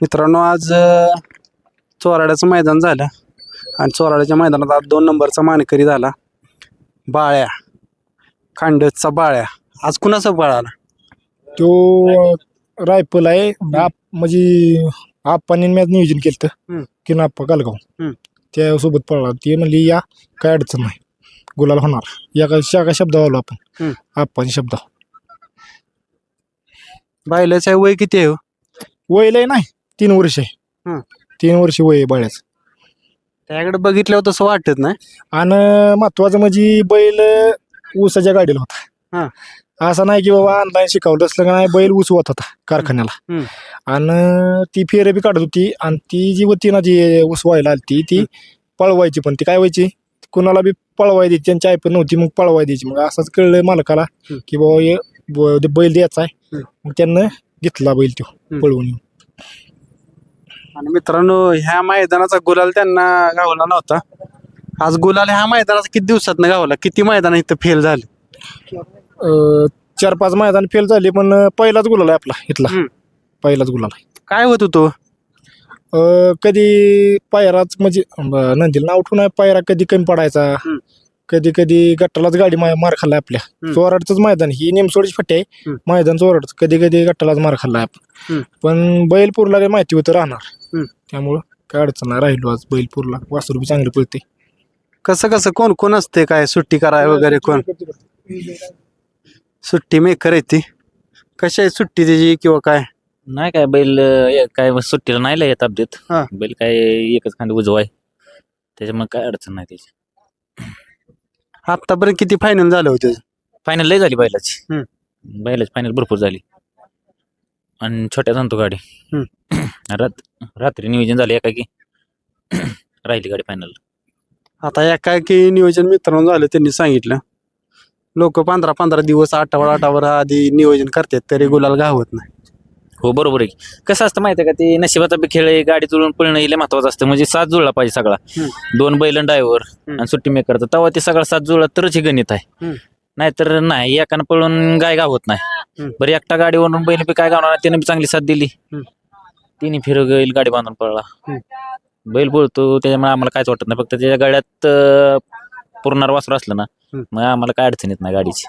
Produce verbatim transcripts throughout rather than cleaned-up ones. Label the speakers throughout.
Speaker 1: मित्रांनो आज अ, चोराड्याचं मैदान झालं आणि चोराड्याच्या मैदानात आज दोन नंबरचा मानकरी झाला बाळ्या, खांडसचा बाळ्या. आज कुणाचा पळाला?
Speaker 2: तो रायफल आहे आप म्हणजे आप्पांनी मॅच नियोजन केलं
Speaker 1: हम्म.
Speaker 2: की नाप्पा गालगाव
Speaker 1: हम्म.
Speaker 2: त्यासोबत पळला. ते म्हणली या काय अडचण नाही, गुलाल होणार. या का शाखा शब्द आलो आपण
Speaker 1: हम्म.
Speaker 2: आप्पांनी शब्द.
Speaker 1: बायलाचं वय किती आहे हो?
Speaker 2: वय लय नाही, तीन वर्ष आहे.
Speaker 1: हम्म.
Speaker 2: तीन वर्ष वय आहे बाळ्याचं.
Speaker 1: त्याकडे बघितल्यावर तसं वाटत नाही.
Speaker 2: आणि महत्वाचं म्हणजे बैल ऊसाच्या गाडीला होता. असं नाही की बाबा ऑनलाईन शिकवलं असलं का नाही, बैल ऊस होत होता कारखान्याला.
Speaker 1: हम्म.
Speaker 2: आणि ती फेरे बी काढत होती आणि ती जी होती ना जी ऊस व्हायला आली ती पळवायची, पण ती काय व्हायची कुणाला बी पळवाय द्यायची. त्यांची आई पण नव्हती, मग पळवाय द्यायची. मग असंच कळलं मालकाला की बाबा हे ब- बैल द्यायचा आहे. मग त्यांना घेतला बैल तो पळवून.
Speaker 1: आणि मित्रांनो ह्या मैदानाचा गुलाल त्यांना गावला नव्हता. आज गुलाल ह्या मैदानाचा किती दिवसात गावला? किती मैदान इथं फेल झाले?
Speaker 2: अं, चार पाच मैदान फेल झाले, पण पहिलाच गुलाल आहे आपला इथला.
Speaker 1: हम्म.
Speaker 2: पहिलाच गुलाल आहे.
Speaker 1: काय होत होतो?
Speaker 2: अं, कधी पायराच म्हणजे ब- नंदीला नाव ठेवून पायरा कधी कमी पडायचा,
Speaker 1: हम्म.
Speaker 2: कधी कधी गट्टालाच गाडी मा- मार खाल्लाय आपल्या.
Speaker 1: हम्म.
Speaker 2: चोराडचंच मैदान ही नेमसोडीची फट्टी आहे.
Speaker 1: हम्म.
Speaker 2: मैदान चोराडच कधी कधी गट्टालाच मार खाल्लाय आपण.
Speaker 1: हम्म.
Speaker 2: पण बैलपूरला काही माहिती होतं राहणार.
Speaker 1: हम्म.
Speaker 2: त्यामुळं काय अडचण नाही, राहिलो आज बैलपूरला. वासरू बी चांगले पळते.
Speaker 1: कसं कसं कोण कोण असते? काय सुट्टी कराय वगैरे कोण? सुट्टी मेकर आहे ती. कशी आहे सुट्टी त्याची किंवा काय?
Speaker 3: नाही काय बैल अं, काय सुट्टीला नाही लय येत अपडेट.
Speaker 1: हा.
Speaker 3: बैल काय एकच खांदी उजवा आहे, त्याच्यामुळे काय अडचण नाही त्याची.
Speaker 1: आतापर्यंत किती फायनल झालं होतं?
Speaker 3: फायनल लय झाली बैलाची.
Speaker 1: हम्म.
Speaker 3: बैलाची फायनल भरपूर झाली आणि छोट्या सांगतो गाडी. रात रात्री नियोजन झाले एका की राहिली गाडी फायनल.
Speaker 1: आता या काय की नियोजन मित्रांनो झालं त्यांनी सांगितलं. लोक पंधरा पंधरा दिवस आठवडा आठवडा आधी नियोजन करतात तरी गुलाल गावत नाही.
Speaker 3: हो बरोबर आहे की. कसं असतं माहिती आहे का, ते नशिबाचा बी खेळ आहे. गाडी जुळून पळणं हे लय महत्वाचं असतं. म्हणजे साथ जुळला पाहिजे सगळा. दोन बैल ड्रायव्हर आणि सुट्टी मेकरचा, तेव्हा ते सगळा साथ जुळला तरच हे गणित आहे. नाहीतर नाही एकानं पळून गाय गावत नाही. बरं एकटा गाडीवरून बैल बी काय गावणार, त्याने बी चांगली साथ दिली. तिने फिर गेल गाडी बांधून पळला. बैल बोलतो त्याच्यामुळे आम्हाला कायच वाटत नाही. फक्त त्याच्या गाड्यात अं, पुरणार वासरू असलं ना, मग आम्हाला काय अडचण येत नाही गाडीची.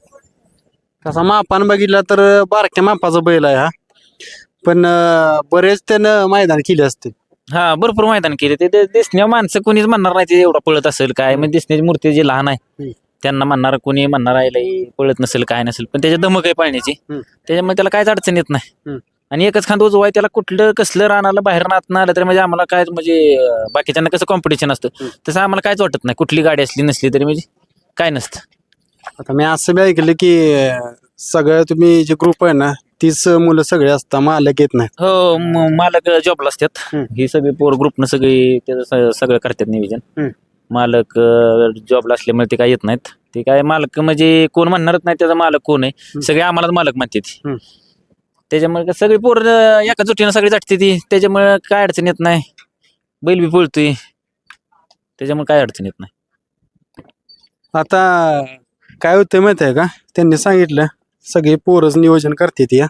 Speaker 1: तसा मापान बघितला तर बारक्या मापाचा बैल आहे हा, पण अं, बरेच त्यानं मैदान केले असते.
Speaker 3: हा भरपूर मैदान केले. ते ते दिसण्या माणसं कोणीच म्हणणार नाही ते एवढा पळत असेल काय. म्हणजे दिसण्याची मूर्ती जी लहान आहे त्यांना म्हणणार, कोणी म्हणणार आहे लई पळत नसेल काय नसेल, पण त्याच्या धमक आहे पाळण्याची. त्याच्यामुळे त्याला कायच अडचण येत नाही. आणि एकच खांदा उजवा आहे, त्याला कुठलं कसलं रानाला बाहेर नात आलं तरी म्हणजे आम्हाला काय म्हणजे अं, बाकीच्यांना कसं कॉम्पिटिशन असतं तसं आम्हाला कायच वाटत नाही. कुठली गाडी असली नसली तरी म्हणजे काय नसतं.
Speaker 1: आता मी असं बी ऐकलं की अं, सगळं तुम्ही जे ग्रुप आहे ना तीच मुलं सगळे असतात, मालक येत नाही.
Speaker 3: हो म- मालक जॉबला असतात. ही सगळी पोर ग्रुपनं सगळी त्याचं स- सगळं करतात नियोजन. मालक जॉबला असल्यामुळे ते काय येत नाहीत. ते काय मालक म्हणजे कोण म्हणणारच नाही त्याचा मालक कोण आहे, सगळे आम्हालाच मालक म्हणतात. त्याच्यामुळे सगळी पोर एका जुटीनं सगळी जाटते ती, त्याच्यामुळे काय अडचण येत नाही. बैल बी पळतोय त्याच्यामुळे काय अडचण येत नाही.
Speaker 1: आता काय होतं माहिती आहे का, त्यांनी सांगितलं सगळे पोरच नियोजन करतात. या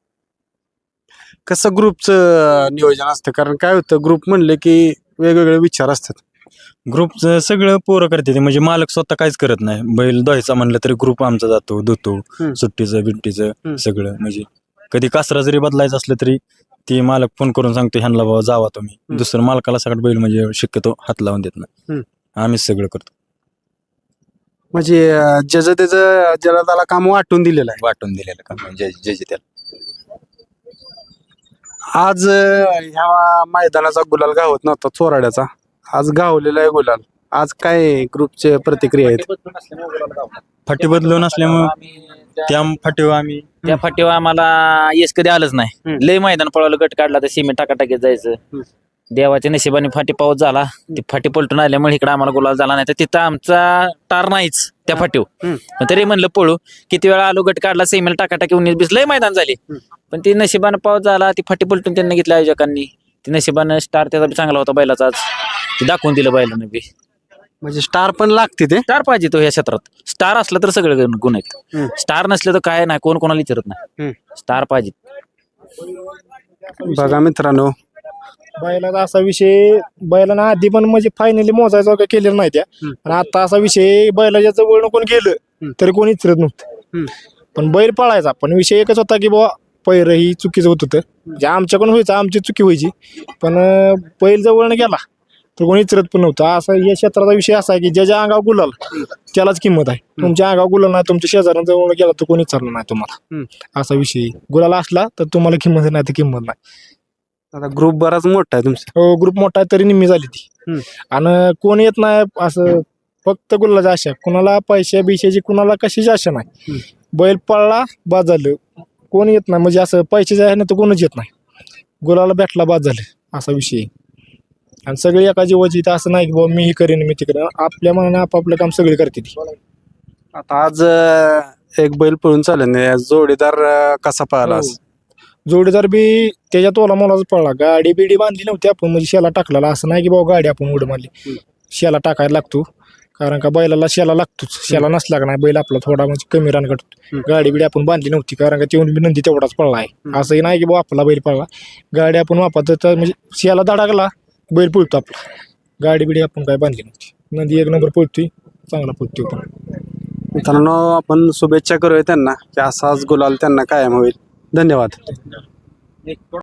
Speaker 1: कसं ग्रुपचं नियोजन असतं? कारण काय होतं ग्रुप म्हणलं की वेगवेगळे विचार असतात.
Speaker 4: ग्रुपचं सगळं पोरं करते, म्हणजे मालक स्वतः काहीच करत नाही. बैल धुवायचा म्हणलं तरी ग्रुप आमचा जातो, धुतो. सुट्टीचं बिट्टीचं सगळं. म्हणजे कधी कासरा जरी बदलायचं असलं तरी ती मालक फोन करून सांगतो ह्यांना बाबा जावा तुम्ही. दुसरं मालकाला सगळं बैल म्हणजे शक्यतो हात लावून देत नाही. आम्हीच सगळं करतो.
Speaker 1: म्हणजे अं, ज्याचं त्याचं ज्याला त्याला काम वाटून दिलेलं आहे.
Speaker 4: वाटून दिलेलं काम म्हणजे जे जे त्याला.
Speaker 1: आज अं, ह्या मैदानाचा गुलाल गावत नव्हता चोराड्याचा, आज गावलेला आहे गुलाल. आज काय ग्रुपचे प्रतिक्रिया आहेत?
Speaker 4: फाटी बदलून असल्यामुळे त्या फाटीवर आम्ही
Speaker 3: त्या फाटीवर आम्हाला यश कधी आलंच नाही. लय मैदान पळवलं, गट काढला तर सिमेंट टाकाटाकीत जायचं. देवाच्या नशिबाने फाटी पाऊस झाला, ती फाटी पलटून आल्यामुळे इकडे आम्हाला गुलाल झाला नाही. तर तिथं आमचा टार नाहीच त्या फाटीवर. पण तरी म्हणलं पळू. किती वेळा आलो, गट काढला, सिमेंट टाकाटाकी उन्नीस बीस लय मैदान झाले. पण ती नशिबानं पाऊस झाला, ती फाटी पलटून त्यांना घेतल्या आयोजकांनी. ती नशिबानं स्टार त्याचा बी चांगला होता बैलाचा, आज ते दाखवून दिलं बैलानं बी.
Speaker 1: म्हणजे स्टार पण लागते ते.
Speaker 3: स्टार पाहिजे तो ह्या क्षेत्रात. स्टार असला तर सगळे गुण गुण आहेत. स्टार नसले तर काय नाही, कोण कोणाला विचारत नाही. स्टार पाहिजे.
Speaker 1: बघा मित्रांनो,
Speaker 2: बैलाचा असा विषय बैलांना आधी पण म्हणजे फायनली मोजायचा वगैरे केलेला नाही त्या आणि आता असा विषय बैलाच्या जवळ कोण गेलं तरी कोणी इचरत नव्हतं. पण बैल पळायचा, पण विषय एकच होता की बाबा पैर ही चुकीचं होत होतं, म्हणजे आमच्याकडून व्हायचं, आमची चुकी व्हायची, पण अं, बैल जवळनं गेला तर कोणी इचरत पण नव्हतं. असा या क्षेत्राचा विषय असा आहे की ज्याच्या अंगावर गुलाल त्यालाच किंमत आहे. तुमच्या अंगावर गुलाल नाही, तुमच्या शेजाऱ्यांना जवळ गेला तर कोणी विचारलं नाही तुम्हाला. असा विषय आहे. गुलाल असला तर तुम्हाला किंमत नाही तर किंमत नाही.
Speaker 1: आता ग्रुप बराच मोठा आहे तुमचा.
Speaker 2: हो, ग्रुप मोठा आहे तरी निम्मी झाली ती.
Speaker 1: हम्म.
Speaker 2: आणि कोण येत नाही असं फक्त गुलालाची आशा, कुणाला पैशा बिशाची कुणाला कशाची आशा नाही. बैल पळला बाद झालं, कोण येत नाही म्हणजे असं पैशाचं आहे ना तर कोणच येत नाही. गुलाला भेटला बाद झालं असा विषय आहे. आणि सगळी एका जीवाची, तर असं नाही की बाबा मी हे करेन मी ते करेन, आपल्या मनाने आपापलं काम सगळे करते ती.
Speaker 1: आता आज अं, एक बैल पळून चालेल नाही, जोडीदार अं, कसा पळाला आज?
Speaker 2: जोडीदार बी त्याच्या तोला मोलाच पडला. गाडी बिडी बांधली नव्हती आपण, म्हणजे शेला टाकलेला, असं नाही की बाबा गाडी आपण उड मारली. शेला टाकायला लागतो, कारण का बैलाला शेला लागतोच. शेला नसला का नाही बैल आपला थोडा म्हणजे कमी रान काढतो. गाडी बिडी आपण बांधली नव्हती, कारण का तेवढी बी नंदी तेवढाच पडला आहे. असंही नाही की बाबा आपला बैल पडला, गाडी आपण वापरतो तर म्हणजे शेला धडाकला बैल पळतो आपला. गाडी बिडी आपण काय बांधली नव्हती. नंदी एक नंबर पळतोय, चांगला पळतोय पण.
Speaker 1: मित्रांनो, आपण शुभेच्छा करूया त्यांना की असाच गुलाल त्यांना कायम होईल. धन्यवाद.